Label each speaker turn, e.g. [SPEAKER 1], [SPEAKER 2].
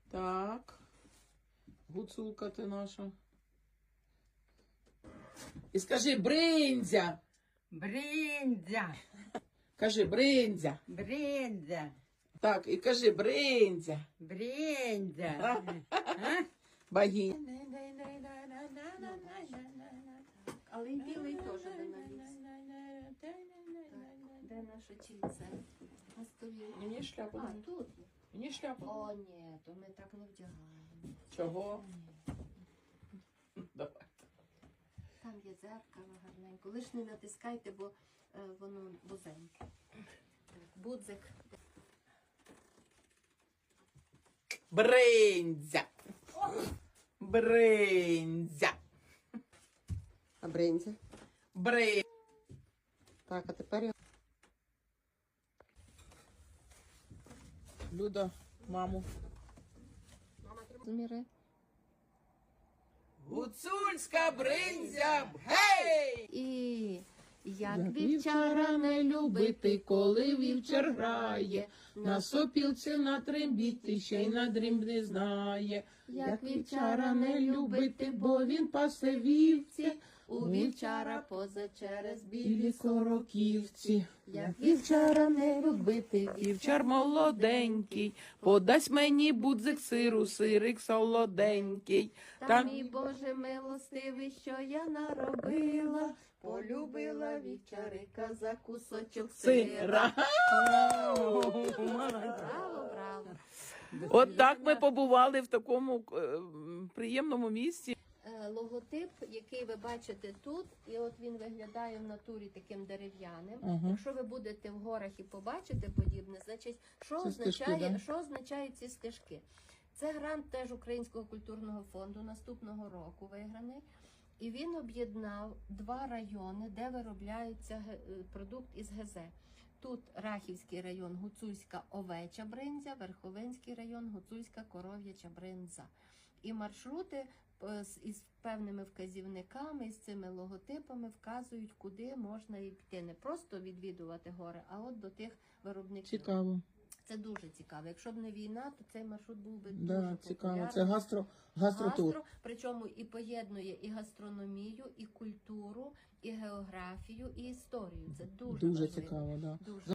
[SPEAKER 1] Так. Гуцулка ти наша. І скажи бриндзя.
[SPEAKER 2] Бриндзя,
[SPEAKER 1] Кажи бриндзя.
[SPEAKER 2] бриндзя,
[SPEAKER 1] Так, і кажи бриндзя.
[SPEAKER 2] бриндзя.
[SPEAKER 1] Богиня.
[SPEAKER 3] Але й білий теж би навіз. Де наше чільце? На столі.
[SPEAKER 1] Мені шляпу.
[SPEAKER 3] А, тут.
[SPEAKER 1] Мені шляпу.
[SPEAKER 3] О, ні, то ми так не вдягаємо.
[SPEAKER 1] Чого? Давай.
[SPEAKER 3] Там є дзеркало гарненько. Лиш не натискайте, бо воно вузеньке. Так, будзик.
[SPEAKER 1] Бриндзя. Бриндзя.
[SPEAKER 4] А бринзя?
[SPEAKER 1] Бриндзя.
[SPEAKER 4] Так, а тепер я...
[SPEAKER 1] Люда, маму.
[SPEAKER 4] Зміри.
[SPEAKER 1] Гуцульська бриндзя. Гей!
[SPEAKER 3] І як
[SPEAKER 1] Вівчара не любити, коли вівчар грає, на сопілці на трембіти, ще й на дрім не знає. Як вівчара не любити, бо він пасе вівці,
[SPEAKER 3] у вівчара поза через
[SPEAKER 1] білі сороківці.
[SPEAKER 3] Як
[SPEAKER 1] Вівчара не любити, вівчар молоденький, подасть мені будзик сиру, сирик солоденький.
[SPEAKER 3] Та мій Боже милостивий, що я наробила, полюбила вівчарика за кусочок сира.
[SPEAKER 1] Сира.
[SPEAKER 3] Браво, браво.
[SPEAKER 1] От так ми побували в такому приємному місці.
[SPEAKER 3] Логотип, який ви бачите тут, і от він виглядає в натурі таким дерев'яним.
[SPEAKER 1] Ага.
[SPEAKER 3] Якщо ви будете в горах і побачите подібне, значить, що
[SPEAKER 1] Це
[SPEAKER 3] означає,
[SPEAKER 1] стежки, да?
[SPEAKER 3] що означають ці стежки? Це грант теж Українського культурного фонду наступного року виграний. І він об'єднав два райони, де виробляється продукт із ГЗ. Тут Рахівський район, Гуцульська овеча бринзя, Верховинський район, Гуцульська коров'яча бринза. І маршрути із певними вказівниками, з цими логотипами вказують, куди можна йти. Не просто відвідувати гори, а от до тих виробників.
[SPEAKER 1] Цікаво.
[SPEAKER 3] Це дуже цікаво. Якщо б не війна, то цей маршрут був би
[SPEAKER 1] Да,
[SPEAKER 3] дуже
[SPEAKER 1] цікаво.
[SPEAKER 3] популярний.
[SPEAKER 1] Це гастротур.
[SPEAKER 3] Гастро, причому і поєднує і гастрономію, і культуру, і географію, і історію. Це дуже
[SPEAKER 1] Дуже
[SPEAKER 3] важливо.
[SPEAKER 1] цікаво, да.
[SPEAKER 3] Дуже.